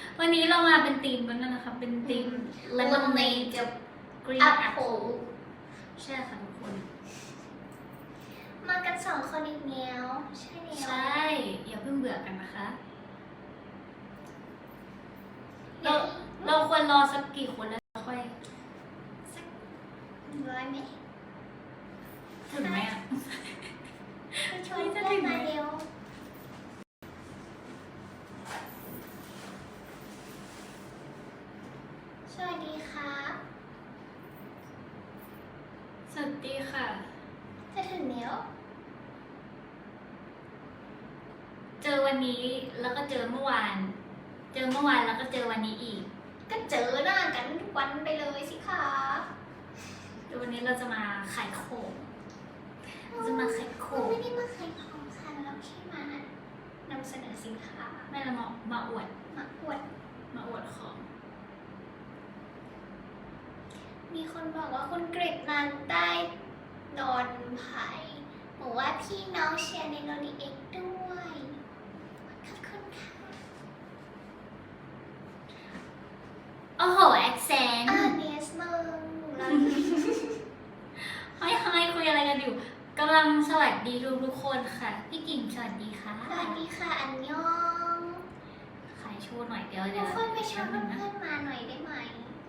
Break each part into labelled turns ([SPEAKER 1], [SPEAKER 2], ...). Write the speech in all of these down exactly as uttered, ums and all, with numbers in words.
[SPEAKER 1] วันนี้เรามาเป็นทีมกันนะคะเป็นทีมเลมอนเนดกับกรีนแอปเปิลใช่ค่ะทุกคน
[SPEAKER 2] มากันสองคนอีกแล้วใช่แล้ว
[SPEAKER 1] ใช่อย่าเพิ่งเบื่อกันนะคะเราเราควรรอสักกี่คนแล้วค่อย
[SPEAKER 2] สักร้อยไหม
[SPEAKER 1] ถึงไหมอ่ะ
[SPEAKER 2] ไปชวนเพื่อนมาเร็วสวัสดีครับ
[SPEAKER 1] สวัสดีค่ะ
[SPEAKER 2] จะถึงแล้ว
[SPEAKER 1] เจอวันนี้แล้วก็เจอเมื่อวานเจอเมื่อวานแล้วก็เจอวันนี้อีก
[SPEAKER 2] ก็เจอหน้ากันทุกวันไปเลยสิคะ
[SPEAKER 1] เดี๋ยววันนี้เราจะมาขายของจะมาขายของ
[SPEAKER 2] ไม่ได้มาขายของค่ะเราแค่มานำเสนอสินค้า
[SPEAKER 1] ไม่ละมามาอวด
[SPEAKER 2] มาอวด
[SPEAKER 1] มาอวดของ
[SPEAKER 2] มีคนบอกว่าคุณกฤษนันท์ได้นอนไผ่บอกว่าพี่น้องเชียร์ในโนดีเอ็กด้วยขอบคุณค่ะ
[SPEAKER 1] โอ้โหแอคเซนต์
[SPEAKER 2] อ่าเนสมึงเรา
[SPEAKER 1] เฮ้ยเฮ้ยคุยอะไรกันอยู่กำลังสวัสดีทุกทุกคนค่ะพี่กิ่งสวัสดีค่ะ
[SPEAKER 2] สวัสดีค่ะอันยอง
[SPEAKER 1] ขายโชว์หน่อยเดี๋ยว
[SPEAKER 2] ทุ
[SPEAKER 1] เดี๋ยว
[SPEAKER 2] กคนไปชวนเพื่อนมาหน่อยได้ไหม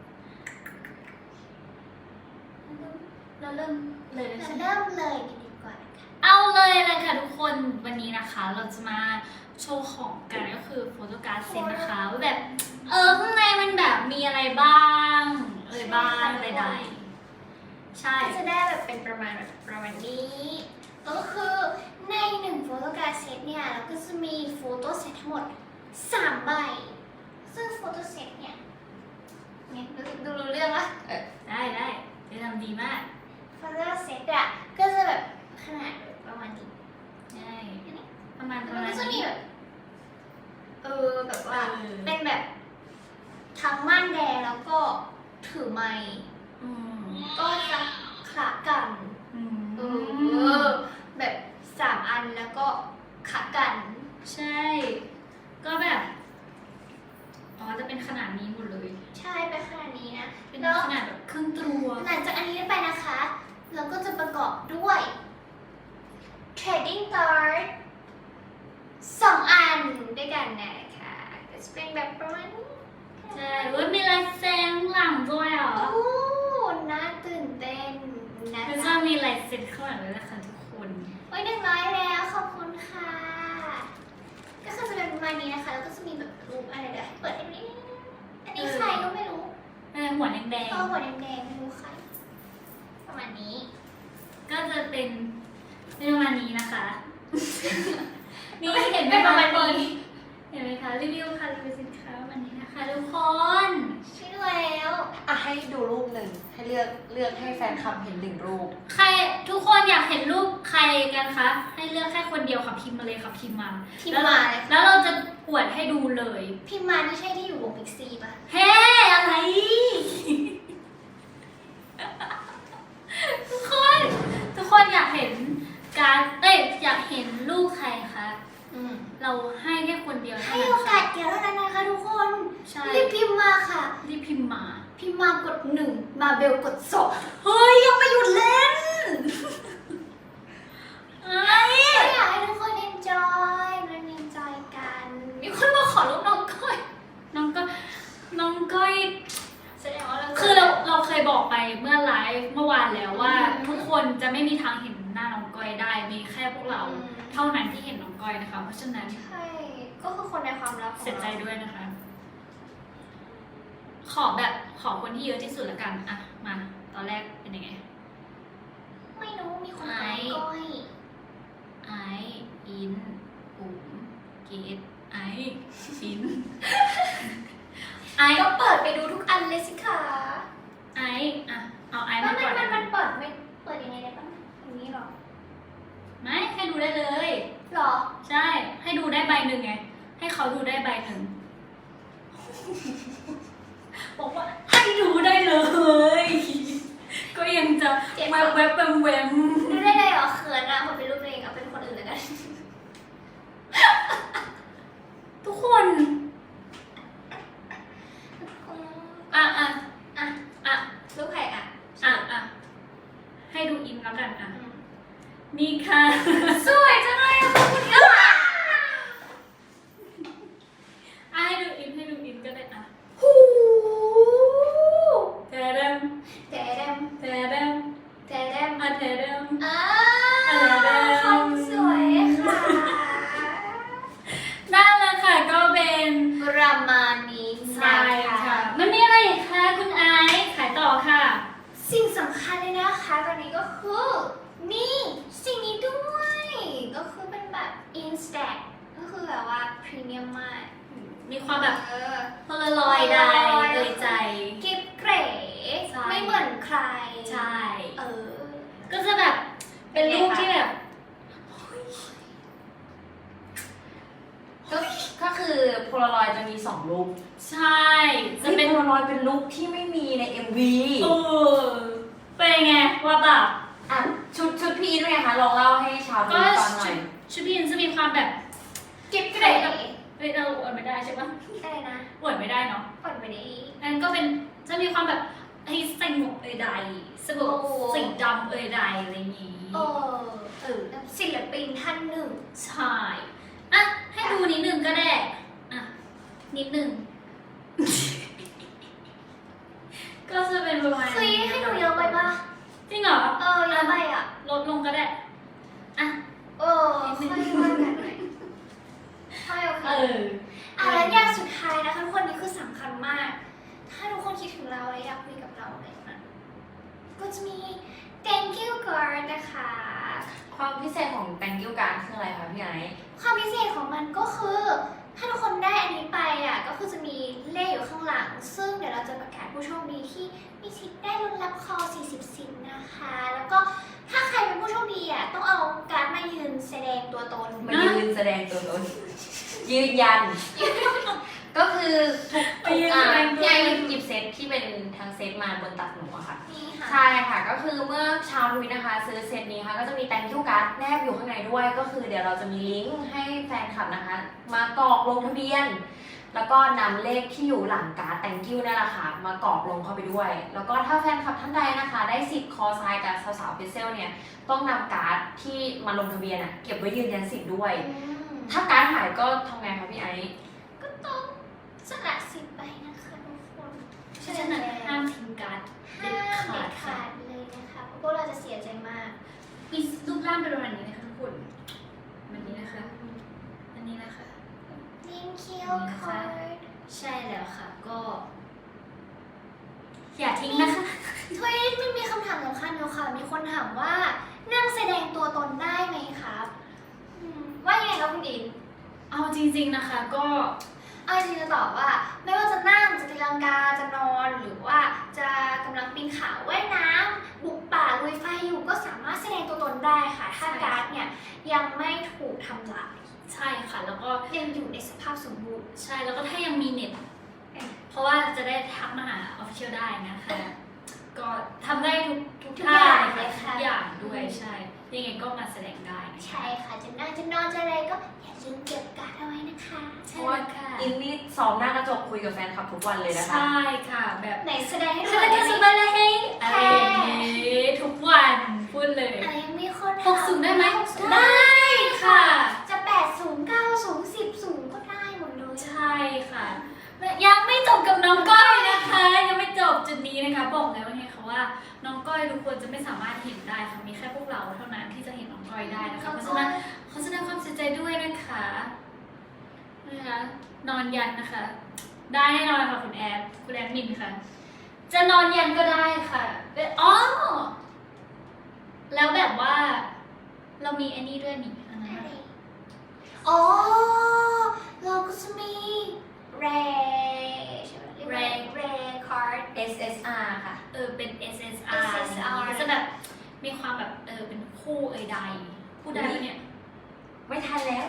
[SPEAKER 1] เราเริ่มเลยใช่ไหม
[SPEAKER 2] เริ่มเลยดีกว่าค่ะ
[SPEAKER 1] เอาเลยเลยค่ะทุกคนวันนี้นะคะเราจะมาโชว์ของกันก็คือโฟโต้การ์ดเซตนะคะว่าแบบเออข้างในมันแบบมีอะไรบ้างเอ่ยบ้างใดๆใช่
[SPEAKER 2] ก็จะได้แบบเป็นประมาณแบบประมาณนี้ก็คือในหนึ่งโฟโต้การ์ดเซตเนี่ยเราก็จะมีโฟโต้เซตทั้งหมดสามใบซึ่งโฟโต้เซตเนี่ยเนี่ยดูดูรู้เรื่องปะ
[SPEAKER 1] เออได้ได้จะทำดีมาก
[SPEAKER 2] โฟโต้เซตอะก็จะแบบขนาดประมาณนี้
[SPEAKER 1] ใช่ประมาณประ
[SPEAKER 2] มัน
[SPEAKER 1] มาณ
[SPEAKER 2] ก็จะมี
[SPEAKER 1] นี้
[SPEAKER 2] แบบเออแบบว่าเป็นแบบทั้งม่านแดงแล้วก็ถือไม้
[SPEAKER 1] อืม
[SPEAKER 2] ก็จะขะกัน
[SPEAKER 1] อืม
[SPEAKER 2] เออแบบสามอันแล้วก็ขากัน
[SPEAKER 1] ใช่ก็แบบอ๋อจะเป็นขนาดนี้หมดเลย
[SPEAKER 2] ใช่เป็นขนาดนี้นะ
[SPEAKER 1] เป็นขนาดแบบครึ่งตัว
[SPEAKER 2] หลังจากอันนี้ไปนะคะเราก็จะประกอบด้วย trading card สองอันด้วยกันนะคะก็จะเป็นแบบประมาณนี้
[SPEAKER 1] ใช่เว้ยมีลายเซ็นหลังด้วยเหรอ
[SPEAKER 2] โอ้น่าตื่นเต้นนะ
[SPEAKER 1] แล้วจะมีลายเซ็นข้างหลังด้วยนะคะทุกคน
[SPEAKER 2] โอ้ยหนึ่งร้อยแล้วขอบคุณค่ะก็คือจะเป็นประมาณนี้นะคะแล้วก็จะมีแบบรูปอะไรเดี๋ยวเปิดอันนี้อันนี้ใครก็ไม่รู้
[SPEAKER 1] เออหัวแดง
[SPEAKER 2] ๆก็หัวแดงๆไม่รู้ใครประมาณนี้
[SPEAKER 1] ก็จะเป็นเป็นประมาณนี้นะคะนี่เห็นไหม
[SPEAKER 2] ประมาณ
[SPEAKER 1] นี้เห็นไหมคะรีวิวค่ะรีวิวสินค้าวันนี้นะคะทุกคน
[SPEAKER 2] ใช่แล้ว
[SPEAKER 3] อ่ะให้ดูรูปหนึ่งให้เลือกเลือกให้แฟนคลับเห็นหนึ่งรูป
[SPEAKER 1] ใครทุกคนอยากเห็นรูปใครกันคะให้เลือกแค่คนเดียวค่ะพิมพ์มาเลยค่ะพิมพ์มา
[SPEAKER 2] พิมพ์มาเลย
[SPEAKER 1] แล้วเราจะอวดให้ดูเลย
[SPEAKER 2] พิมพ์มาไม่ใช่ที่อยู่วงพิกซี่ป่ะ
[SPEAKER 1] เฮ้อะไรทุกคนทุกคนอยากเห็นการเอ้ยอยากเห็นรูปใครคะเราให้แค่คนเดียว
[SPEAKER 2] ให้โอกาสเดียวเท่านั้นนะคะทุกคนรีบพิมพ์มาค่ะ
[SPEAKER 1] รีบพิมพ์มา
[SPEAKER 2] พิมพ์มากดหนึ่งมาเบลกดสองเฮ้ยยังไม่หยุดเล่น
[SPEAKER 1] อะไร
[SPEAKER 2] อยากให้ทุกคนเอนจอยมันเอนจอยกันมีคนมาขอรูปน้องก้อย
[SPEAKER 1] น้องก้อยน้องก้อย
[SPEAKER 2] แสดงว่าเรา
[SPEAKER 1] คือเราเราเคยบอกไปเมื่อไลฟ์เมื่อวานแล้วว่าทุกคนจะไม่มีทางเห็นหน้าน้องก้อยได้มีแค่พวกเราเท่านั้นที่เห็นน้องก้อยนะคะเพราะฉะนั้น
[SPEAKER 2] ใช่ก็คือคนในความลับ
[SPEAKER 1] เสียใจด้วยนะคะขอแบบขอคนที่เยอะที่สุดละกันอะมาตอนแรกเป็นยังไง
[SPEAKER 2] ไม่รู้มีคนไอก้อย
[SPEAKER 1] ไออินอุ๋มเกดไออิน
[SPEAKER 2] ไอก็เปิดไปดูทุกอันเลยสิคะ
[SPEAKER 1] ไออะเอาไอ
[SPEAKER 2] มั
[SPEAKER 1] มาก่อน
[SPEAKER 2] มันมันเปิดไม่เปิดยังไงได้บ้างอย่างนี้หรอ
[SPEAKER 1] ไม่ให้ดูได้เลย
[SPEAKER 2] หรอ
[SPEAKER 1] ใช่ให้ดูได้ใบหนึ่งไงให้เขาดูได้ใบหนึ่งบอกว่าให้ดูได้เลยก็ยังจะแวบแวบแวมแวม
[SPEAKER 2] ดูได้เลยเหรอเขินอะผมเป็นรูปตัวเองเอาเป็นคนอื่นเลยกัน
[SPEAKER 1] ทุกคน
[SPEAKER 2] stack ก็คือแบบว่าพรีเมียมมาก
[SPEAKER 1] มีความแบบ
[SPEAKER 2] เออ
[SPEAKER 1] พลลอยได้เลยใจ
[SPEAKER 2] กิบเก๋
[SPEAKER 1] ใช่
[SPEAKER 2] ไม่เหมือนใคร
[SPEAKER 1] ใช่
[SPEAKER 2] เออ
[SPEAKER 1] ก็จะแบบเป็นรูปที่แบบ
[SPEAKER 3] ก็ก็คือโพลารอยจะมีสองรูป
[SPEAKER 1] ใช่จะ
[SPEAKER 3] จะ
[SPEAKER 1] เป็
[SPEAKER 3] เป็น นโพลารอยเป็นรูปที่ไม่มีใน เอ็ม วี
[SPEAKER 1] เออเป็นไงว่าแบบ
[SPEAKER 3] อ่ะชุดชุดพี่ด้วยนะคะลองเล่าให้ชาวดู
[SPEAKER 1] ก็
[SPEAKER 3] ฟังหน่
[SPEAKER 1] ชุ
[SPEAKER 3] อย
[SPEAKER 1] ดชุดพี่อินจะมีความแบบ
[SPEAKER 2] กิบเก๋
[SPEAKER 1] เฮ้ยเราอวดไม่ได้ใช่ปะ
[SPEAKER 2] อะไรนะ
[SPEAKER 1] อวดไม่ได้เนาะ
[SPEAKER 2] ก่อนไปนี้
[SPEAKER 1] นั่นก็เป็นจะมีความแบบไอ้ใส่หมวกเอ่ยใดสบู่
[SPEAKER 2] โอ้
[SPEAKER 1] สีดำเอ่ยใดอะไรอย่างงี้
[SPEAKER 2] เออ
[SPEAKER 1] เออ
[SPEAKER 2] ศิลปินท่านหนึ่ง
[SPEAKER 1] ใช่อ่ะให้ดูนิดนึงก็ได้อ่ะนิดนึง ก็จะเป็นประมาณ
[SPEAKER 2] เฮ้ยให้ดูเยอะไปปะ
[SPEAKER 1] จริงเหรอ
[SPEAKER 2] เออเยอะไปอ่ะ
[SPEAKER 1] ลดลงก็ได้อ่ะ
[SPEAKER 2] เออค่อยว่ากันหน่อยค่อยโอเค
[SPEAKER 1] เออ
[SPEAKER 2] อ่ะแล้วอย่างสุดท้ายนะคะทุกคนนี้คือสำคัญมาก ถ้าทุกคนคิดถึงเราและอยากคุยกับเราอะไรนะก็จะมี thank you card นะคะ
[SPEAKER 3] ความพิเศษของ thank you card คืออะไรคะพี่ไอซ์
[SPEAKER 2] ความพิเศษของมันก็คือ ถ้าทุกคนได้อันนี้ไปอ่ะก็คือจะมีเลขอยู่ข้างหลัง ซึ่งเดี๋ยวเราจะประกาศผู้โชคดีที่มีสิทธิ์ได้ลุ้นรับคอ สี่สิบ สินนะคะ แล้วก็ถ้าใครเป็นผู้โชคดีอ่ะต้องเอาการ์ดมายืนแสดงตัวตน
[SPEAKER 3] มายืนแสดงตัวตนยืนยัน ก็คือทุก
[SPEAKER 1] ไป
[SPEAKER 3] ทุก
[SPEAKER 1] ยืน
[SPEAKER 3] อ่ะ
[SPEAKER 1] แสดงตัว
[SPEAKER 3] พี่ไอซ์หยิบเซตที่เป็นทางเซตมาบนตักหนูอะค่ะ
[SPEAKER 2] นี่ค่ะ
[SPEAKER 3] ใช่ค่ะก็คือเมื่อชาวทวิตนะคะ ซื้อเซตนี้ค่ะก็จะมี thank you card แนบอยู่ข้างในด้วย ก็คือเดี๋ยวเราจะมีลิงก์ให้แฟนคลับนะคะ มากรอกลงทะเบียน แล้วก็นำเลขที่อยู่หลังการ์ด thank you นั่นแหละค่ะมากรอกลงเข้าไปด้วย แล้วก็ถ้าแฟนคลับท่านใดนะคะ ได้สิทธิ์คอไซน์กับสาวๆเพเซลเนี่ยต้องนำการ์ดที่มาลงทะเบียนอะเก็บไว้ยืนยันสิทธิ์ด้วย
[SPEAKER 2] อืม
[SPEAKER 3] ถ้าการ์ดหายก็ทำไงคะพี่ไอซ์
[SPEAKER 2] ก็ต้องสละสิทธิ์ไปนะคะทุกคน
[SPEAKER 1] เพราะฉะนั้นห้ามทิ้งการ์ดเด็
[SPEAKER 2] ห้า
[SPEAKER 1] ด
[SPEAKER 2] ม
[SPEAKER 1] ขาดค่ะ
[SPEAKER 2] เด็ดขาดเลยนะคะเพราะพวกเราจะเสียใจมาก
[SPEAKER 1] มีรูปร่างเป็นประมาณนี้นะคะทุกคนแบบนี้นะคะ อันนี้นะคะ
[SPEAKER 2] thank you card
[SPEAKER 1] ใช่แล้วค่ะ ก็ อย่าทิ้งนะคะ
[SPEAKER 2] ทวีตมันมีคำถามสำคัญอยู่ค่ะ มีคนถามว่านั่งแสดงตัวตนได้ไหมครับอืมว่ายังไงครับคุณอิน
[SPEAKER 1] เอาจริงๆนะคะ ก็
[SPEAKER 2] เอาจริงๆจะตอบว่า ไม่ว่าจะนั่งจะตีลังกาจะนอนหรือว่าจะกำลังปีนเขาว่ายน้ำบุกป่าลุยไฟอยู่ก็สามารถแสดงตัวตนได้ค่ะ ถ้าการ์ดเนี่ยยังไม่ถูกทำลาย
[SPEAKER 1] ใช่ค่ะ แล้วก็
[SPEAKER 2] ยังอยู่ในสภาพสมบูรณ์
[SPEAKER 1] ใช่แล้วก็ถ้ายังมีเน็ต เพราะว่าจะได้ทักมาหาออฟฟิเชียลได้นะคะ ก็ทำได้ทุกทุก
[SPEAKER 2] ทุก
[SPEAKER 1] ท่า
[SPEAKER 2] อย่าง
[SPEAKER 1] เล
[SPEAKER 2] เลย ย
[SPEAKER 1] ค่ะ
[SPEAKER 2] ค่ะ
[SPEAKER 1] ทุกอย่างด้วยใช่ ยังไงก็มาแสดงได้นะคะ
[SPEAKER 2] ใช่ค่ะ จะนั่งจะนอนจะอะไรก็อย่าลืมเก็บการ์ดเอาไว้นะคะ
[SPEAKER 1] ใช่แล้วค่ะ
[SPEAKER 3] อินนี่ซ้อมหน้ากระจกคุยกับแฟนคลับทุกวันเลยนะคะ
[SPEAKER 1] ใช่ค่ะ แบบ
[SPEAKER 2] ไหนแสดงให้ดู
[SPEAKER 1] ส
[SPEAKER 2] หน่
[SPEAKER 1] บา
[SPEAKER 2] อย ย
[SPEAKER 1] ส
[SPEAKER 2] ได้ไหม
[SPEAKER 1] บายเลยอะไรอย่างงี้ทุกวันพูดเลย
[SPEAKER 2] อะไรยังมีคน
[SPEAKER 1] หกสูงได้ไหม
[SPEAKER 2] หกสูง
[SPEAKER 1] ได้ค่ะ
[SPEAKER 2] จะแปดสูงเก้าสูงสิบสูงก็ได้หมดเลย
[SPEAKER 1] ใช่ค่ะและยังไม่จบกับน้องก้อยนะคะ ยังไม่จบจุดนี้นะคะ บอกแล้วไงคะว่าน้องก้อยทุกคนจะไม่สามารถเห็นได้ค่ะมีแค่พวกเราเท่านั้นที่จะเห็นน้องก้อยได้นะคะเพราะฉะนั้นขอแสดงความเสียใจด้วยนะคะนะคะนอนยันนะคะ ได้แน่นอนค่ะคุณแอดคุณแอดมินค่ะ จะนอนยันก็ได้ค่ะอ๋อแล้วแบบว่า เรามีอันนี้ด้วยนี่อันนั้น
[SPEAKER 2] อะไร
[SPEAKER 1] อะ
[SPEAKER 2] อ๋อเราก็จะมีแรใช่ไหมแรแรคาร์ด
[SPEAKER 3] เอส เอส อาร์ ค่ะ
[SPEAKER 1] เออเป็น เอส เอส อาร์
[SPEAKER 2] เอส เอส อาร์
[SPEAKER 1] ก็จะแบบมีความแบบเออเป็นคู่เอยใดคู่ใดเนี่ย
[SPEAKER 3] ไม่ทันแล้ว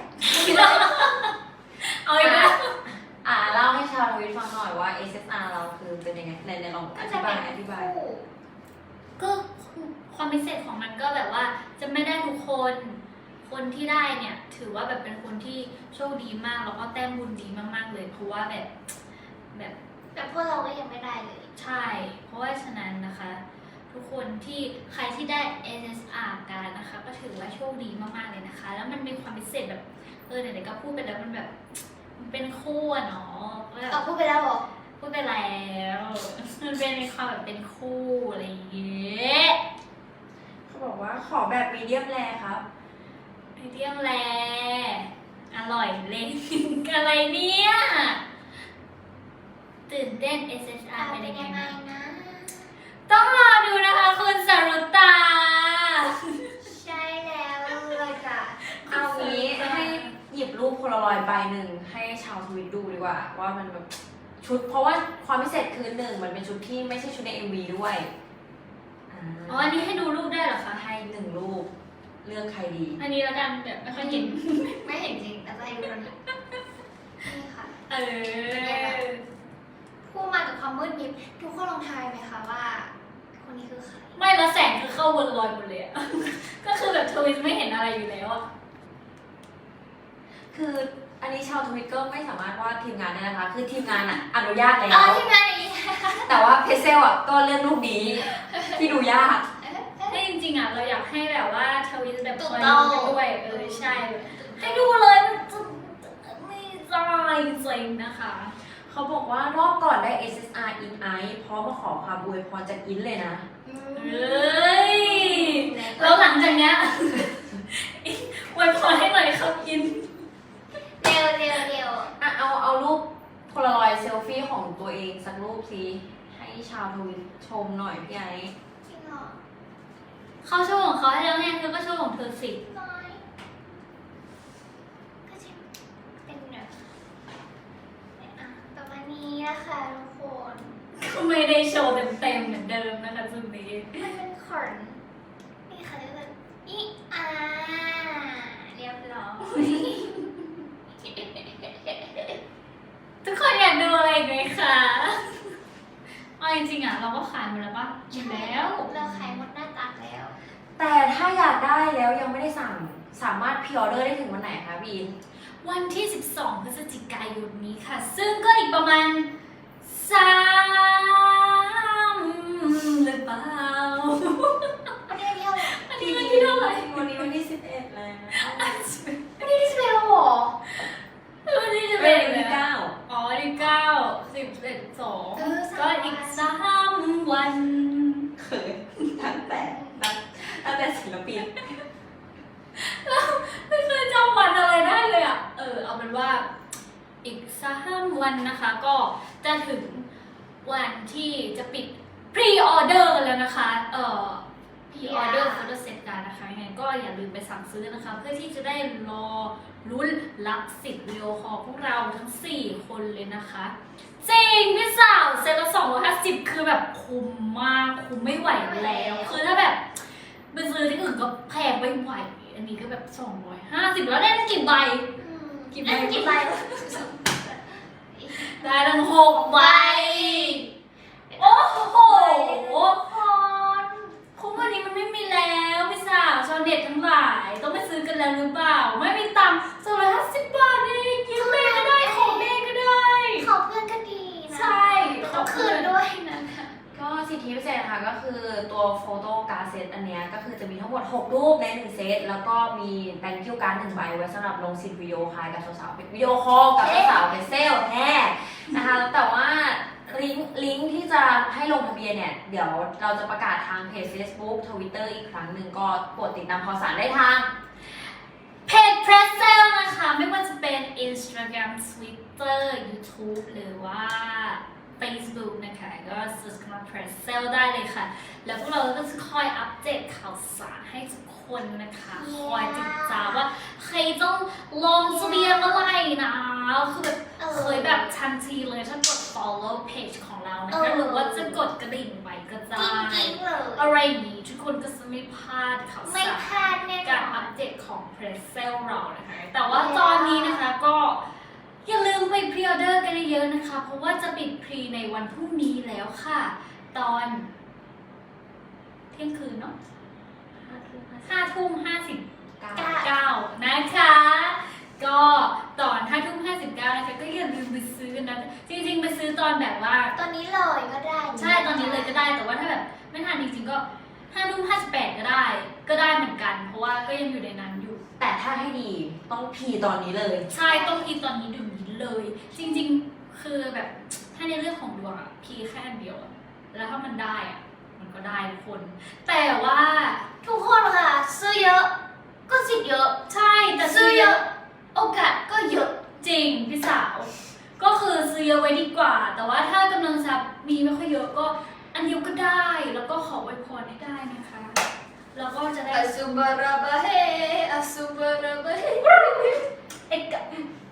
[SPEAKER 1] เอาอีกแล้ว
[SPEAKER 3] อ่าเล่าให้ชาวทวิตฟังหน่อยว่า เอส เอส อาร์ เราคือเป็นยังไงในในลองอ
[SPEAKER 2] ก็
[SPEAKER 3] ธิ
[SPEAKER 2] จะ
[SPEAKER 3] บา
[SPEAKER 2] เป็
[SPEAKER 3] ย
[SPEAKER 2] น
[SPEAKER 3] อธิบาย
[SPEAKER 2] คู่
[SPEAKER 1] ก็ความพิเศษของมันก็แบบว่าจะไม่ได้ทุกคน คนที่ได้เนี่ย ถือว่าแบบเป็นคนที่โชคดีมากแล้วก็แต้มบุญดีมากๆเลย เพราะว่าแบบแบบ
[SPEAKER 2] แต่พวกเราก็ยังไม่ได้เลย
[SPEAKER 1] ใช่ เพราะว่าฉะนั้นนะคะ ทุกคนที่ใครที่ได้ เอส เอส อาร์ การนะคะ ก็ถือว่าโชคดีมากๆเลยนะคะ แล้วมันมีความพิเศษแบบเออไหนๆก็พูดไปแล้วมันแบบมันเป็นคู่อะเนาะก็แบบ
[SPEAKER 2] เอาพูดไปแล้วเหรอ
[SPEAKER 1] พูดไปแล้วมันเป็นมีความแบบเป็นคู่อะไรอย่างเงี้ย
[SPEAKER 3] เขาบอกว่าขอแบบมีเดียมแรครับ
[SPEAKER 1] มีเดียมแรอร่อยเลย อะไรเนี่ยตื่นเต้น เอส เอส อาร์
[SPEAKER 2] เป็
[SPEAKER 1] เป็น น
[SPEAKER 2] ยั
[SPEAKER 1] ยัง ง
[SPEAKER 2] ไง
[SPEAKER 1] ไงนะ
[SPEAKER 2] นะ
[SPEAKER 1] ต้องรอดูนะคะคุณสรุตา
[SPEAKER 2] ใช่แล้วเลยค่ะ
[SPEAKER 3] เอางี้ให้ลารอยด์ใบหนึ่งให้ชาวทวิตดูดีกว่าว่ามันแบบชุดเพราะว่าความพิเศษคือหนึ่งมันเป็นชุดที่ไม่ใช่ชุดใน เอ็ม วี ด้วย
[SPEAKER 1] อ๋ออันนี้ให้ดูรูปได้เหรอคะ
[SPEAKER 3] ให้หนึ่งรูปเลือกใครดี
[SPEAKER 1] อันนี้แล้วกันแบบไม่ค่อยเห็น
[SPEAKER 2] ไม่เห็นจริงแต่จะให้ดูแล้วนะนี่ค่ะ
[SPEAKER 1] เออ
[SPEAKER 2] ผู้มากับความมืดมิดทุกคนลองทายไหมคะว่า คนนี้คือใคร
[SPEAKER 1] ไม่แล้วแสงคือเข้าวนลอยหมดเลยอะ ก็คือแบบทวิตไม่เห็นอะไรอยู่แล้วอะ
[SPEAKER 3] คืออันนี้ชาวทวิตก็ไม่สามารถวาดทีมงานได้นะคะ คือทีมงานอะอนุญาตแล้
[SPEAKER 2] อ๋อ
[SPEAKER 3] ว
[SPEAKER 2] ทีมงานนี้
[SPEAKER 3] แต่ว่าเพเซลอะก็เลือกรูปนี้ที่ดูยาก
[SPEAKER 1] แต่จริงๆอะเราอยากให้แบบว่าทวิตแบบ
[SPEAKER 2] ถู
[SPEAKER 1] ค
[SPEAKER 2] ก
[SPEAKER 1] อย
[SPEAKER 2] ต้อง
[SPEAKER 1] ดูกันด้วยเออใช่แบบให้ดูเลยมันจะไม่ได้จริงนะคะ
[SPEAKER 3] เขาบอกว่ารอบก่อนได้ เอส เอส อาร์ in ice พร้อมมาขอความอวยพรจากอินเลยนะ
[SPEAKER 2] อื
[SPEAKER 1] เอ
[SPEAKER 2] ม้
[SPEAKER 1] ยแล้วหลังจากเนี้ย อวยพรให้หน่อยครับอิน
[SPEAKER 2] เร็วเร็วเร็ว
[SPEAKER 3] อ่ะเอาเอารูปโพลารอยด์เซลฟี่ของตัวเองสักรูปสิให้ชาวทวิตชมหน่อยพี่ไอ้
[SPEAKER 2] จริงเหรอ
[SPEAKER 1] เขาโชว์ของเขาให้แล้วไงเธอก็โชว์ของเธอสิ
[SPEAKER 2] น้อยก็จะเป็นแบบอ่ะประมาณนี้นะคะทุกคน
[SPEAKER 1] ก็ไม่ได้โชว์เต็มๆเหมือนเดิมนะคะจุดนี้
[SPEAKER 2] มันเป็นขนนี่ค่ะเรียกว่าอีอาเรียบร้อย
[SPEAKER 1] ทุกคนอยากดูอะไรอีกไหมคะเอาจริงๆอ่ะเราก็ขายหมดแล้วปะหมดแล้ว
[SPEAKER 2] เราขายหมดหน้าตักแล้ว
[SPEAKER 3] แต่ถ้าอยากได้แล้วยังไม่ได้สั่งสามารถพรีออเดอร์ได้ถึงวันไหนคะพี่อิน
[SPEAKER 1] วันที่ สิบสอง พฤศจิกายนนี้ค่ะ ซึ่งก็อีกประมาณสามหรือเปล่า
[SPEAKER 2] วันนี้เที่ยวไหร่
[SPEAKER 1] อันนี้วันที่เท่าไหร่
[SPEAKER 3] วันนี้วันที่สิบเอ็ดแล้ว
[SPEAKER 2] วันนี้ที่สิบเอ็ดแล้วเหรอ
[SPEAKER 1] วันที่จะ
[SPEAKER 3] เป็
[SPEAKER 1] เป็น น
[SPEAKER 3] วันที่เก้า
[SPEAKER 1] อ๋อวันที่เก้าสิบเอ็ดสอง
[SPEAKER 2] เออสาม
[SPEAKER 1] ก็อีกสามวัน
[SPEAKER 3] เขินตั้งแต่ตั้งตั้งแต่ศิลปิน
[SPEAKER 1] ไม่เคยจำวันอะไรได้เลยอ่ะ เออ เอาเป็นว่าอีกสามวันนะคะ ก็จะถึงวันที่จะปิดพรีออเดอร์กันแล้วนะคะ เอ่อพรีออเดอร์โฟโต้เซตกันนะคะยังไงก็อย่าลืมไปสั่งซื้อนะคะ เพื่อที่จะได้รอลุ้นรับสิทธิ์วิดีโอคอลพวกเราทั้งสี่คนเลยนะคะ จริงพี่สาวเซตละสองร้อยห้าสิบคือแบบคุ้มมากคุ้มไม่ไหวแล้ว คือถ้าแบบไปซื้อที่อื่นก็แพงไม่ไหว อันนี้ก็แบบสองร้อยห้าสิบแล้วได้ตั้งกี่ใบ
[SPEAKER 2] อืม
[SPEAKER 1] กี่ใบ
[SPEAKER 2] ได้กี่ใบวะ
[SPEAKER 1] ได้ตั้งหกใบ โอ้โห
[SPEAKER 2] คน
[SPEAKER 1] คุ้มวันนี้มันไม่มีแล้วพี่สาวชาวเน็ตทั้งหลาย ต้องไปซื้อกันแล้วหรือเปล่า ไม่มีตังค์สองร้อยห้าสิบบาทเองกินเมย์ก็ได้ของเมย์ก็ได้
[SPEAKER 2] ขอเพื่อนก็ดีนะ
[SPEAKER 1] ใช่
[SPEAKER 2] แต่ต้องคืนด้วยนะคะ
[SPEAKER 3] ก็สิทธิพิเศษนะคะก็คือตัวโฟโต้การ์ดเซตอันเนี้ยก็คือจะมีทั้งหมดหกรูปในหนึ่งเซตแล้วก็มีแบงคิวการ์ดหนึ่งใบไว้สำหรับลงสิทธิ์วิดีโอคอลกับสาวๆเป็นวิดีโอคอลกับสาวๆเป็นเซลล์แน่นะคะแต่ว่าลิงก์ลิงก์ที่จะให้ลงทะเบียนเนี่ยเดี๋ยวเราจะประกาศทางเพจ Facebook Twitter อีกครั้งหนึ่งก็โปรดติดตามข่าวสารได้ทาง
[SPEAKER 1] เพจเพรสเซลนะคะ ไม่ว่าจะเป็น Instagram Twitter YouTube หรือว่า Facebook นะคะ ก็ search คำว่า Press Sale ได้เลยค่ะ แล้วพวกเราก็จะคอยอัปเดตข่าวสารให้ทุกคนนะคะ
[SPEAKER 2] Yeah.
[SPEAKER 1] คอยติดตามว่าใครต้องลงทะเบียนเมื่อไหร่นะคือแบบ
[SPEAKER 2] เออ
[SPEAKER 1] เคยแบบทันทีเลยถ้ากด follow page ของเรานะ
[SPEAKER 2] เอ
[SPEAKER 1] คะ
[SPEAKER 2] อ
[SPEAKER 1] หรือว่าจะกดกระดิ่งไว้ก็
[SPEAKER 2] จ
[SPEAKER 1] ได้
[SPEAKER 2] ริงๆเลย
[SPEAKER 1] อะไรอย่างนี้ทุกคนก็จะไม่พลาดข่าว
[SPEAKER 2] ไม่
[SPEAKER 1] สาร
[SPEAKER 2] พลาดแน่น
[SPEAKER 1] การ
[SPEAKER 2] อ
[SPEAKER 1] อั
[SPEAKER 2] น
[SPEAKER 1] ปเดตของ Press Sale เรานะคะ แต่ว่าตอนนี้นะคะก็อย่าลืมไปพรีออเดอร์กันเยอะๆนะคะ เพราะว่าจะปิดพรีในวันพรุ่งนี้แล้วค่ะ ตอนเที่ยงคืนเนาะห้าทุ่มห้าสิบเก้านะคะ ก็ตอนห้าทุ่มห้าสิบเก้านะคะก็อย่าลืมไปซื้อกันนะ จริงๆไปซื้อตอนแบบว่า
[SPEAKER 2] ตอนนี้เลยก็ได้
[SPEAKER 1] ใช่ตอนนี้เลยก็ได้ แต่ว่าถ้าแบบไม่ทันจริงๆก็ห้าทุ่มห้าสิบแปดก็ได้ ก็ได้เหมือนกัน เพราะว่าก็ยังอยู่ในนั้นอยู่
[SPEAKER 3] แต่ถ้าให้ดีต้องพรีตอนนี้เลย
[SPEAKER 1] ใช่ต้องพีตอนนี้เดี๋ยวนี้เลย จริงๆคือแบบถ้าในเรื่องของดวงอะพีแค่อันเดียวอะแล้วถ้ามันได้อะมันก็ได้ทุกคน แต่ว่า
[SPEAKER 2] ทุกคนค่ะ ซื้อเยอะ ก็สิทธิ์เยอะ
[SPEAKER 1] ใช่แต่
[SPEAKER 2] ซื้
[SPEAKER 1] ซื้
[SPEAKER 2] อ
[SPEAKER 1] อ
[SPEAKER 2] เย
[SPEAKER 1] เย
[SPEAKER 2] อะ
[SPEAKER 1] อะ
[SPEAKER 2] โอกาสก็เยอะ
[SPEAKER 1] จริงพี่สาว ก็คือซื้อเยอะไว้ดีกว่า แต่ว่าถ้ากำลังทรัพย์มีไม่ค่อยเยอะก็อันเดียวก็ได้ แล้วก็ขออวยพรให้ได้นะคะ แล้วก็จะได้
[SPEAKER 2] อสุบาราบะเฮอสุบาราบะเฮ
[SPEAKER 1] เอกะ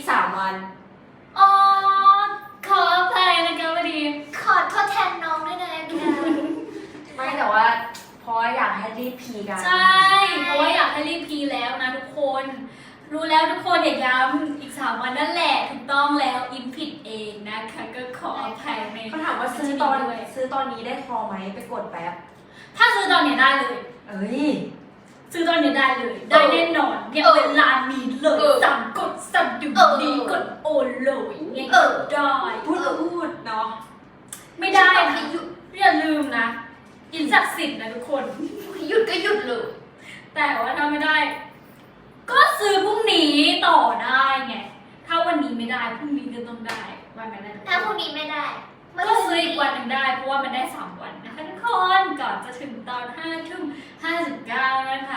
[SPEAKER 3] กสามวัน
[SPEAKER 1] อ๋อขออภัยนะคะพอดี
[SPEAKER 2] ขอโทษแทนน้องด้วยนะแก
[SPEAKER 3] ไม่แต่ว่าเพราะอยากให้รีบพีกัน
[SPEAKER 1] ใช่ เพราะว่าอยากให้รีบพีแล้วนะทุกคน รู้แล้วทุกคนอย่าย้ำอีกสามวันนั่นแหละถูกต้องแล้วอิมผิดเองนะคะก็ขออภัยใน
[SPEAKER 3] เขาถามว่าซื้อตอน
[SPEAKER 1] ด้วย
[SPEAKER 3] ซื้อตอนนี้ได้พอไหมไปกดแป๊บ
[SPEAKER 1] ถ้าซื้อตอนนี้ได้เลย
[SPEAKER 3] เอ้ย
[SPEAKER 1] ซื้อตอนนี้ได้เลย ได้แน่นอนเนี่ยเวลานี้เลยสั่งกดสั่งอยู่ดีกดโอนเลยเนี่ยก็ได้
[SPEAKER 3] พูดก็พูดเนาะ
[SPEAKER 1] ไม่ได้นะอย่าลืมนะอินศักดิ์สิทธิ์นะทุกคน
[SPEAKER 2] หยุดก็หยุดเลย
[SPEAKER 1] แต่ว่าถ้าไม่ได้ ก็ซื้อพรุ่งนี้ต่อได้ไง ถ้าวันนี้ไม่ได้พรุ่งนี้ก็ต้องได้วันนั้นนะ
[SPEAKER 2] ถ้าพรุ่งนี้ไม่ได้
[SPEAKER 1] ก็ซื้ออีกวันหนึ่งได้เพราะว่ามันได้สามวันนะคะทุกคนก่อนจะถึงตอนห้าทุ่มห้าสิบเก้านะคะ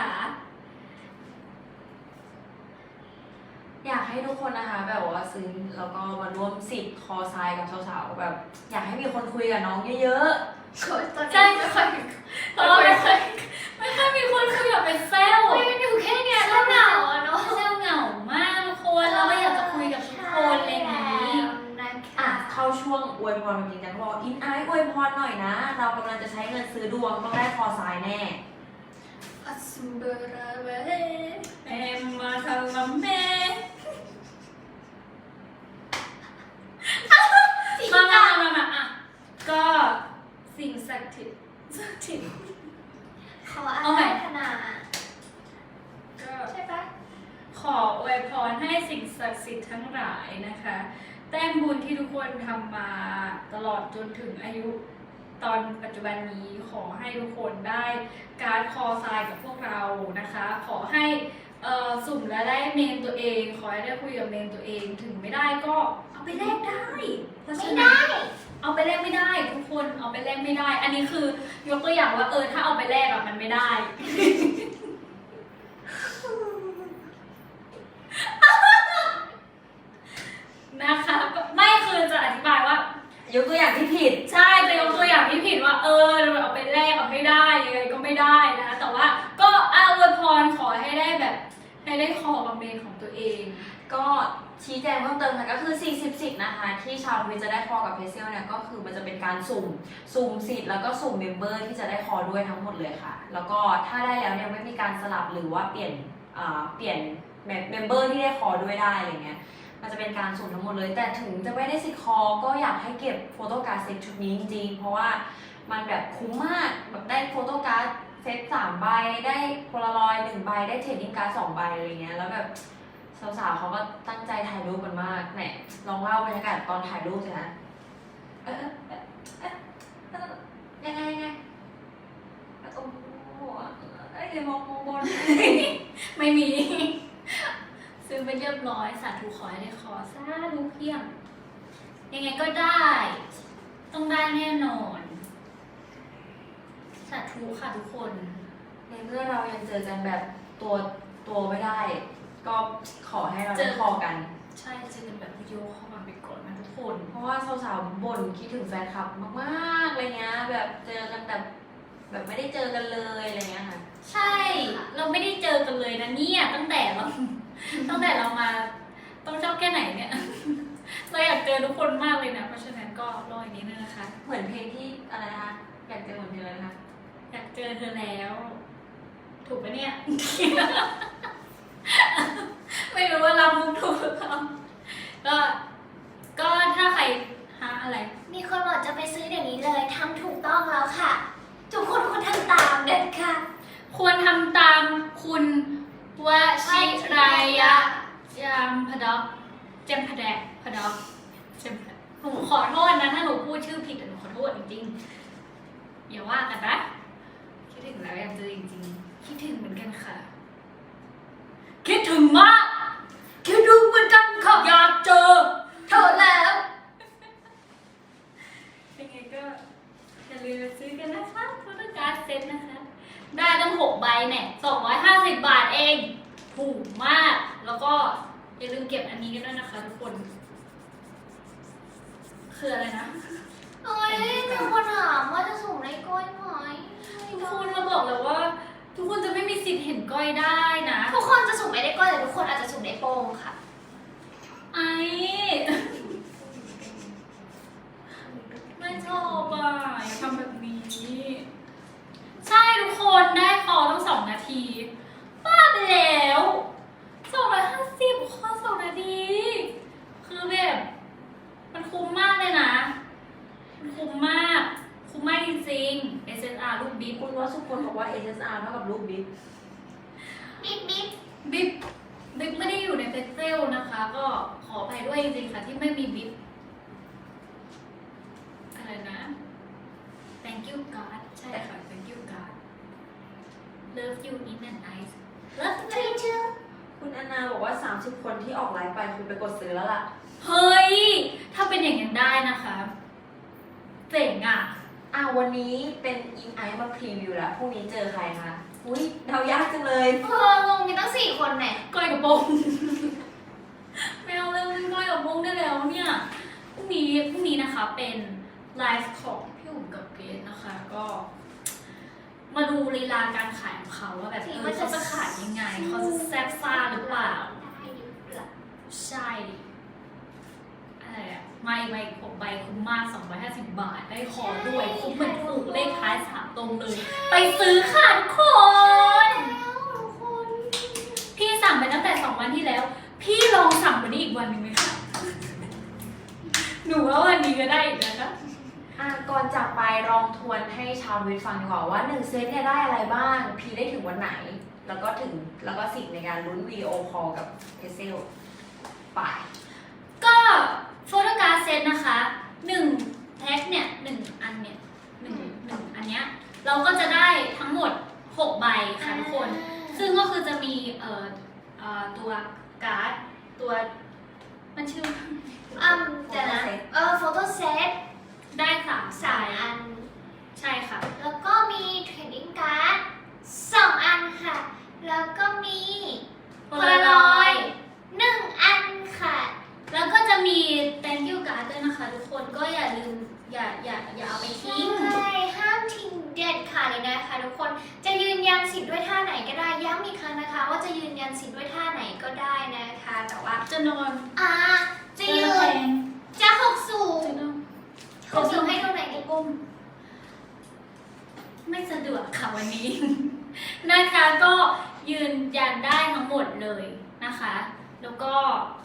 [SPEAKER 3] อยากให้ทุกคนนะคะแบบว่าซื้อแล้วก็มาร่วมสิทธิ์คอทรายกับสาวๆแบบ อยากให้มีคนคุยกับน้องเยอะ
[SPEAKER 2] ตอน
[SPEAKER 1] ใช่
[SPEAKER 2] นี้ไม่ค่อย
[SPEAKER 1] เพราะว่าไม่เคยไม่เคยมีคนคุยกับเป็นเซลล์
[SPEAKER 2] ไม่อยู่แค่เนี้ยก็เหงาอะเนาะ
[SPEAKER 1] เซลล์เหงามากทุกคนแล้วก็อยากจะคุยกับทุกคนอะไรอย่างนี้
[SPEAKER 3] ๆอ่ะเข้าช่วงอวยพรจริงจังบอกอินไอซ์อวยพรหน่อยนะ เรากำลังจะใช้เงินซื้อดวงต้องได้คอทรายแน่
[SPEAKER 1] อัสเบราเวเอมมาทาลาเมมามามามาอ่ะก็สิ่งศักดิ์สิทธิ์ศักดิ์สิทธิ์
[SPEAKER 2] ขออาราธนา
[SPEAKER 1] ก็
[SPEAKER 2] ใช่ปะ
[SPEAKER 1] ขออวยพรให้สิ่งศักดิ์สิทธิ์ทั้งหลายนะคะ แต้มบุญที่ทุกคนทำมาตลอดจนถึงอายุตอนปัจจุบันนี้ขอให้ทุกคนได้การคอทรายกับพวกเรานะคะ ขอให้เอ่อสุ่มและได้เมนตัวเอง ขอให้ได้คุยกับเมนตัวเองถึงไม่ได้ก็เอาไปแลกได้เพราะฉะ
[SPEAKER 2] ไม่
[SPEAKER 1] นั้น
[SPEAKER 2] ได้
[SPEAKER 1] เอาไปแลกไม่ได้ทุกคนเอาไปแลกไม่ได้ อันนี้คือยกตัวอย่างว่าเออถ้าเอาไปแลกอะมันไม่ได้ นะคะก็ไม่คือจะอธิบายว่า
[SPEAKER 3] ยกตัวอย่างที่ผิด
[SPEAKER 1] ใช่จะยกตัวอย่างที่ผิดว่าเออเราเอาไปแลกเอาไม่ได้ยังไงก็ไม่ได้นะแต่ว่าก็เอาอวยพรขอให้ได้แบบให้ได้คอกับเมนของตัวเอง
[SPEAKER 3] ก็ชี้แจงเพิ่มเติมค่ะก็คือสี่สิบสิทธิ์นะคะ ที่ชาวทวิตจะได้คอกับเพเซลเนี่ยก็คือมันจะเป็นการสุ่มสุ่มสิทธิ์แล้วก็สุ่มเมมเบอร์ที่จะได้คอด้วยทั้งหมดเลยค่ะ แล้วก็ถ้าได้แล้วเนี่ยไม่มีการสลับหรือว่าเปลี่ยนอ่าเปลี่ยนเมมเบอร์ที่ได้คอด้วยได้อะไรเงี้ยมันจะเป็นการสุ่มทั้งหมดเลย แต่ถึงจะไม่ได้สิทธิ์คอก็อยากให้เก็บโฟโต้การ์ดเซตชุดนี้จริงๆเพราะว่ามันแบบคุ้มมากแบบได้โฟโต้การ์ดเซตสามใบได้โพลารอยด์หนึ่งใบได้เทรดดิ้งการ์ดสองใบอะไรเงี้ยแล้วแบบสาวๆเขาก็ตั้งใจถ่ายรูปกันมากไหนลองเล่าบรรยากาศตอนถ่ายรูปสินะเออเออเออเออยังไงยังไงโอ้โหเอ้ยมองมองบน
[SPEAKER 1] ไม่มี ซื้อไปเรียบร้อยสาธุขอให้ได้คอสาธุเพียงยังไงก็ได้ ต้องได้แน่นอนสาธุค่ะทุกคน
[SPEAKER 3] ในเมื่อเรายังเจอกันแบบตัวตัวไม่ได้ ก็ขอให้เรา
[SPEAKER 1] เจ
[SPEAKER 3] ได้
[SPEAKER 1] อ
[SPEAKER 3] คอกัน
[SPEAKER 1] ใช่เจอกันแบบวิดีโอเข้ามาไปก่อนนะทุกคน
[SPEAKER 3] เพราะว่าสาวๆบ่นคิดถึงแฟนคลับมากๆอะไรเงี้ยแบบเจอกันแต่แบบไม่ได้เจอกันเลยอะไรเงี้ยค่ะ
[SPEAKER 1] ใช่ เราไม่ได้เจอกันเลยนะเนี่ยตั้งแต่เรา ตั้งแต่เรามาต้องชอบแค่ไหนเนี่ย เราอยากเจอทุกคนมากเลยนะเพราะฉะนั้นก็รออีกนิดนึงนะคะ
[SPEAKER 3] เหมือนเพลงที่อะไรนะคะอยากเจอเหมือนเพลงอะไรนะคะ
[SPEAKER 1] อยากเจอเธอแล้ว ถูกปะเนี่ย ไม่รู้ว่าเรามุกถูกหรือเปล่าก็ก็ถ้าใครหาอะไร
[SPEAKER 2] มีคนบอกจะไปซื้อเดี๋ยวนี้เลยทำถูกต้องแล้วค่ะ ทุกคนควรทำตามเด็ดค่ะ
[SPEAKER 1] ควรทำตามคุณวชิรายะจามพดอกเจมพแดกพดอกเจมพดหนูขอโทษนะถ้าหนูพูดชื่อผิดแต่หนูขอโทษจริงๆอย่าว่ากันนะคิดถึงแล้วอยากเจอจริงๆคิดถึงเหมือนกันค่ะ คิดถึงมากคิดถึงเหมือนกันค่ะอยากเจอเธอแล้วยังไงก็อย่าลืมซื้อกันนะคะโฟโต้การ์ดเซ็ตนะคะ ได้ตั้งหกใบเนี่ยสองร้อยห้าสิบบาทเอง ถูกมาก แล้วก็อย่าลืมเก็บอันนี้กันด้วยนะคะทุกคน คืออะไรนะ
[SPEAKER 2] โอ้ยมีคนถามว่าจะส่งในก้อยไหม
[SPEAKER 1] ทุกคนเราบอกเลยว่า ทุกคนจะไม่มีสิทธิ์เห็นก้อยได้นะ
[SPEAKER 2] ทุกคนจะส่งไม่ได้ก้อยแต่ทุกคนอาจจะส่งได้โป้งค่ะ
[SPEAKER 1] อ่ะคนได้คอต้องสองนาทีบ้าไปแล้วสองร้อยห้าสิบคอสองนาทีคือแบบมันคุ้มมากเลยนะมันคุ้มมากคุ้มมากจริงๆ เอส เอส อาร์ ลูกบิ๊ก
[SPEAKER 3] คุณว่าสุคนบอกว่า เอส เอส อาร์ เท่ากับลูกบิ๊ก
[SPEAKER 2] บิ๊บบิ๊บ
[SPEAKER 1] บิ๊กบิ๊กไม่ได้อยู่ในเพจเซลนะคะ ก็ขออภัยด้วยจริงๆค่ะที่ไม่มีบิ๊กอะไรนะ thank you God ใช่ค่ะ thank you God love you in and nice love
[SPEAKER 2] ทรี
[SPEAKER 1] you
[SPEAKER 2] ชื่อ
[SPEAKER 3] คุณแอนนาบอกว่า สามสิบ คนที่ออกไลฟ์ไปคุณไปกดซื้อแล้วล่ะ
[SPEAKER 1] เฮ้ย ถ้าเป็นอย่างนั้นได้นะคะเจ๋งอ่ะ
[SPEAKER 3] อ่ะวันนี้เป็นอินไอซ์มาพรีวิวแล้วพรุ่งนี้เจอใครคะอุ้ยเดายากจังเลย
[SPEAKER 2] เอองงมีตั้งสี่คนเนี่ย
[SPEAKER 1] ก้อยกับโปง ไม่เอาเลยก้อยกับโปงได้แล้วเนี่ยพรุ่งนี้พรุ่งนี้นะคะเป็นไลฟ์ของพี่อุ๋มกับเกรซนะคะ ก็ มาดูลีลาการขายของเขาว่าแบบเออเขาจะขายยังไง เขาจะแซ่บซ่าหรือเปล่า
[SPEAKER 2] ได้หรือเปล่า
[SPEAKER 1] ใช่อะไรอะไม่ไม่ผมใบคุ้มมากสองร้อยห้าสิบบาท ได้คอด้วย คุ้มเหมือนถูกเลขท้ายสามตรงเลย ไปซื้อค่ะทุกคน
[SPEAKER 2] แล้วทุกคน
[SPEAKER 1] พี่สั่งไปตั้งแต่สองวันที่แล้ว พี่ลองสั่งวันนี้อีกวันหนึ่งไหมคะ หนูว่าวันนี้ก็ได้อีกนะคะ
[SPEAKER 3] อ่ะก่อนจากไปลองทวนให้ชาวทวิตฟังดีกว่าว่าหนึ่งเซตเนี่ยได้อะไรบ้าง พีได้ถึงวันไหน แล้วก็ถึงแล้วก็สิทธิ์ในการลุ้นวีดีโอคอลกับเพเซลไป
[SPEAKER 1] ก็โฟโตการ์ดเซตนะคะหนึ่งแพ็คเนี่ยหนึ่งอันเนี่ยหนึ่งหนึ่งอันเนี้ยเราก็จะได้ทั้งหมดหกใบค่ะทุกคน ซึ่งก็คือจะมีเอ่อเอ่อตัวการ์ดตัวมันชื่อ
[SPEAKER 2] อืมเดี๋ยวนะเออโฟโต้เซต
[SPEAKER 1] ได้สาม
[SPEAKER 2] สาม
[SPEAKER 1] ใบ
[SPEAKER 2] อัน
[SPEAKER 1] ใช่ค่ะ
[SPEAKER 2] แล้วก็มีเทรดดิ้งการ์ดสองอันค่ะ แล้วก็มีโพลารอยด์หนึ่งอันค่ะ
[SPEAKER 1] แล้วก็จะมี thank you card ด้วยนะคะทุกคนก็อย่าลืมอย่าอย่าอย่าเอาไปทิ้ง
[SPEAKER 2] ใช่ห้ามทิ้งเด็ดขาดเลยนะคะทุกคนจะยืนยันสิทธิ์ด้วยท่าไหนก็ได้ย้ำอีกครั้งนะคะ ว่าจะยืนยันสิทธิ์ด้วยท่าไหนก็ได้นะคะ แต่ว่า
[SPEAKER 1] จะนอน
[SPEAKER 2] อ่าจะยื
[SPEAKER 1] แพ
[SPEAKER 2] น
[SPEAKER 1] ง
[SPEAKER 2] จะหกสูง
[SPEAKER 1] จะนอน
[SPEAKER 2] หกสูงให้ตรงไหนดี
[SPEAKER 1] ก้มไม่สะดวกค่ะวันนี้ นะคะก็ยืนยันได้ทั้งหมดเลยนะคะ แล้วก็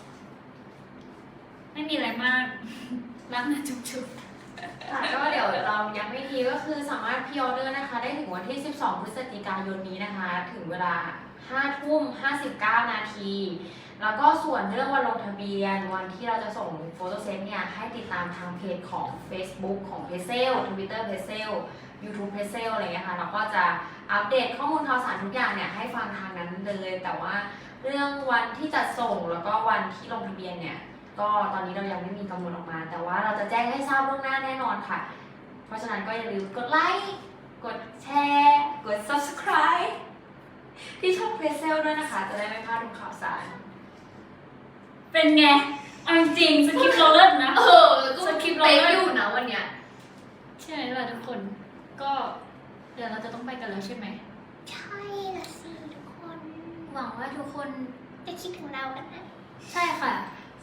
[SPEAKER 1] ไม่มีอะไรมาก รักนะจุ๊บจุ๊บ
[SPEAKER 3] ค่ะก็เดี๋ยวเราย้ำอีกทีก็คือสามารถพรีออเดอร์นะคะ ได้ถึงวันที่ สิบสอง พฤศจิกายนนี้นะคะ ถึงเวลา ห้าทุ่มห้าสิบเก้า นาที แล้วก็ส่วนเรื่องวันลงทะเบียนวันที่เราจะส่งโฟโต้เซตเนี่ย ให้ติดตามทางเพจของ Facebook ของเพเซล Twitter เพเซล YouTube เพเซลอะไรเงี้ยค่ะเราก็จะอัปเดตข้อมูลข่าวสารทุกอย่างเนี่ยให้ฟังทางนั้นเลย แต่ว่าเรื่องวันที่จะส่งแล้วก็วันที่ลงทะเบียนเนี่ย ก็ตอนนี้เรายังไม่มีกำหนดออกมา แต่ว่าเราจะแจ้งให้ทราบล่วงหน้าแน่นอนค่ะ เพราะฉะนั้นก็อย่าลืมกดไลค์ กดแชร์ กด subscribe ที่ช่องเพจเซลด้วยนะคะ จะได้ไม่พลาดทุกข่าวสาร
[SPEAKER 1] เป็นไงเอาจริงๆสคริปต์เราเลิศนะ
[SPEAKER 2] เออแล้วก็
[SPEAKER 1] สคริปต์เรา
[SPEAKER 2] เป๊ะ
[SPEAKER 1] เลิศ
[SPEAKER 2] อยู่นะวันเนี้ย
[SPEAKER 1] ใช่ไหมล่ะทุกคน ก็เดี๋ยวเราจะต้องไปกันแล้วใช่ไหม
[SPEAKER 2] ใช่ละสิทุกคน
[SPEAKER 1] หวังว่าทุกคน
[SPEAKER 2] จะคิดถึงเรากันนะ
[SPEAKER 1] ใช่ค่ะ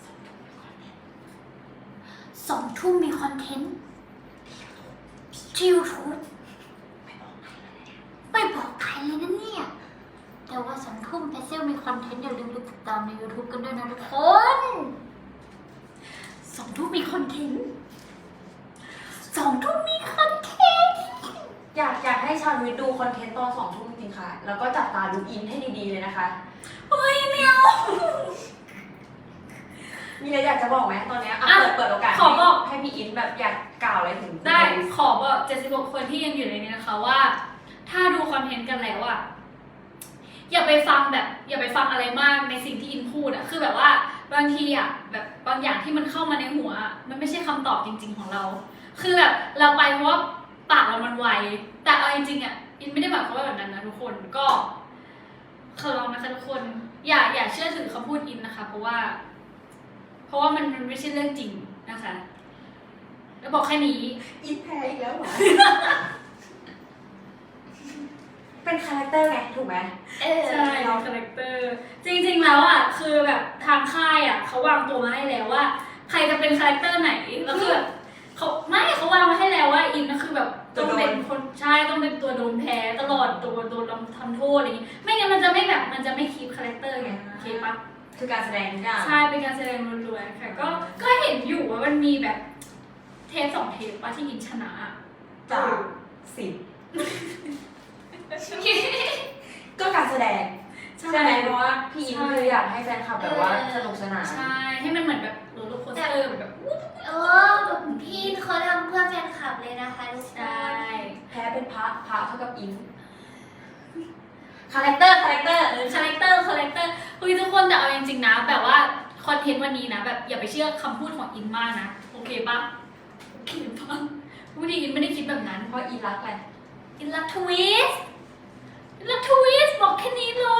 [SPEAKER 1] สองทุ่มมีคอนเทนต์ที่ยูทูบไม่บอกใครเลยนะเนี่ย แต่ว่าสองทุ่มเพเซลมีคอนเทนต์อย่าลืมไปติดตามใน YouTube กันด้วยนะทุกคนสองทุ่มมีคอนเทนต์สองทุ่มมีคอนเทนต์
[SPEAKER 3] อยากอยากให้ชาววิทย์ดูคอนเทนต์ตอนสองทุ่มจริงๆค่ะ แล้วก็จับตาดูอินให้ดีๆเลยนะคะ
[SPEAKER 1] เฮ้ยไม่เอา
[SPEAKER 3] มีอะไรอยากจะบอกไหมตอนเนี้ยอ่ะ
[SPEAKER 1] อ่ะ
[SPEAKER 3] เปิดเปิดโอกาส
[SPEAKER 1] ขอบอก
[SPEAKER 3] ให้พี่อินแบบอยากกล่าวอะไรถึง
[SPEAKER 1] ได้ขอบอกเจ็ดสิบหกคนที่ยังอยู่ในนี้นะคะว่า ถ้าดูคอนเทนต์กันแล้วอะอย่าไปฟังแบบ อย่าไปฟังอะไรมากในสิ่งที่อินพูดอะคือแบบว่าบางทีอะแบบบางอย่างที่มันเข้ามาในหัวอะมันไม่ใช่คำตอบจริง ๆของเรา คือแบบเราไปเพราะว่าปากเรามันไวแต่เอาจริงๆอะอินไม่ได้หมายความว่าแบบนั้นนะทุกคนก็ขอร้องนะคะทุกคน อย่าอย่าเชื่อถือคำพูดอินนะคะ เพราะว่า เพราะว่ามันมันไม่ใช่เรื่องจริงนะคะ แล้วบอกแค่นี้
[SPEAKER 3] อินแพ้อีกแล้วเหรอ เป็นคาแรคเตอร์ไงถูกไหม
[SPEAKER 2] เออ
[SPEAKER 1] ใช่คาแรคเตอร์จริงๆแล้วอ่ะคือแบบทางค่ายอ่ะเขาวางตัวมาให้แล้วว่า ใครจะเป็นคาแรคเตอร์ไหนแล้วคือแบบเขาไม่เขาวางมาให้แล้วว่าอินก็คือแบบต้องเป็นคนใช่ต้องเป็นตัวโดนแพ้ตลอดตัวโดนทำโทษอะไรอย่างงี้ไม่งั้นมันจะไม่แบบมันจะไม่คีปคาแรคเตอร์ไงโอเคปะ
[SPEAKER 3] คือการแสดงทุกอย่าง
[SPEAKER 1] ใช่เป็นการแสดงล้วนๆค่ะก็ก็เห็นอยู่ว่ามันมีแบบเทปสองเทปว่าที่อินชนะ
[SPEAKER 3] จากสิบก็การแสดงใช่ไหมเพราะว่าพี่อินคืออยากให้แฟนคลับแบบว่าสนุกสนาน
[SPEAKER 1] ใช่ให้มันเหมือนแบบโรลเลอร์โคสเตอร์แบบวู้
[SPEAKER 2] เออแบบพี่เขาทำเพื่อแฟนคลับเลยนะคะทุกค
[SPEAKER 1] ใช่
[SPEAKER 2] น
[SPEAKER 3] แพ้เป็นพระพระเท่ากับอินคาแรคเตอร์คาแรคเตอร์
[SPEAKER 1] คาแรคเตอร์คาแรคเตอร์คุยทุกคนแต่เอาจริงๆนะแบบว่าคอนเทนต์วันนี้นะแบบอย่าไปเชื่อคำพูดของอินมากนะโอเคปะโอเคปะพูดดีอินไม่ได้คิดแบบนั้น
[SPEAKER 3] เพราะอินรักอะไร
[SPEAKER 1] อินรักทวิสอินรักทวิสบอกแค่นี้เลย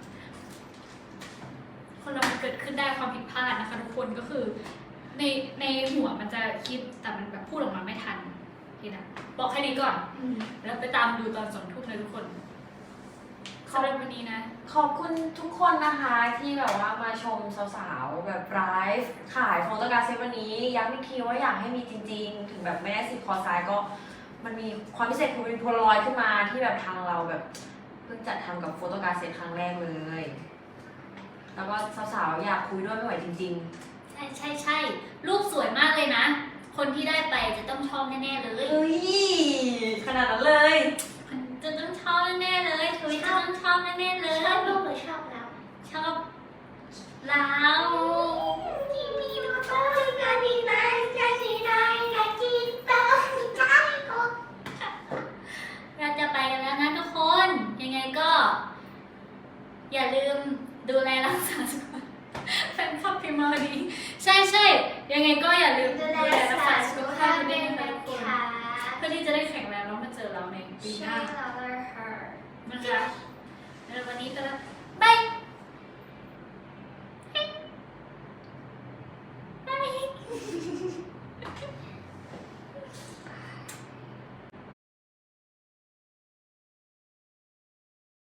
[SPEAKER 1] คนเรามันเกิดขึ้นได้ความผิดพลาดนะคะทุกคนก็คือในในหัวมันจะคิดแต่มันแบบพูดออกมาไม่ทันพี่นะบอกแค่นี้ก่อน
[SPEAKER 2] อืม
[SPEAKER 1] แล้วไปตามดูตอนสองทุ่มเลยทุกคนสำหรับวันนี้นะ
[SPEAKER 3] ขอบคุณทุกคนนะคะที่แบบว่ามาชมสาวๆแบบไลฟ์ขายโฟโตการ์ดเซตวันนี้ย้ำอีกทีว่าอยากให้มีจริงๆ ถึงแบบไม่ได้สิบคอร์สไซด์ก็มันมีความพิเศษคือเป็นโพลารอยด์ขึ้นมาที่แบบทางเราแบบเพิ่งจัดทำกับโฟโตการ์ดเซตครั้งแรกเลย แล้วก็สาวๆอยากคุยด้วยไม่ไหวจริง
[SPEAKER 1] ใช่ใช่ใช่รูปสวยมากเลยนะ คนที่ได้ไปจะต้องชอบแน่ๆเล
[SPEAKER 3] ๆ
[SPEAKER 1] ย
[SPEAKER 3] เฮ้ยขนาดนั้นเลย
[SPEAKER 1] จะต้องชอบแน่ๆเลยทวิตจะต้องชอบแน่ๆเลย
[SPEAKER 2] ชอบลูกหรือชอบเรา
[SPEAKER 1] ชอบเรา
[SPEAKER 2] ที่มีมอเตอร์กันดีไหมจะสีไหนจะกินเติมใจก็
[SPEAKER 1] เราจะไปกันแล้วนะทุกคน ยังไงก็ อย่าลืมดูแลรักษาสุขภาพแฟนคลับพิมพ์มาดีใช่ใช่ยังไงก็อย่าลืม
[SPEAKER 2] ดูแล
[SPEAKER 1] รั
[SPEAKER 2] รัก
[SPEAKER 1] ก
[SPEAKER 2] ษา
[SPEAKER 1] ษา
[SPEAKER 2] สุ
[SPEAKER 1] สุ
[SPEAKER 2] ข
[SPEAKER 1] ข
[SPEAKER 2] ภา
[SPEAKER 1] ภา
[SPEAKER 2] พ
[SPEAKER 1] พ
[SPEAKER 2] ด้
[SPEAKER 1] ด้
[SPEAKER 2] ว
[SPEAKER 1] วย ย
[SPEAKER 2] นะ
[SPEAKER 1] นะคะทุกคน
[SPEAKER 2] คะ
[SPEAKER 1] เพื่อที่จะได้แข็งแรงแล้วมาเจอเราในปีห
[SPEAKER 2] ใช่
[SPEAKER 1] น้า
[SPEAKER 2] เราเลยค่ะ
[SPEAKER 1] นะคะแล้ววันนี้ก็แล้ว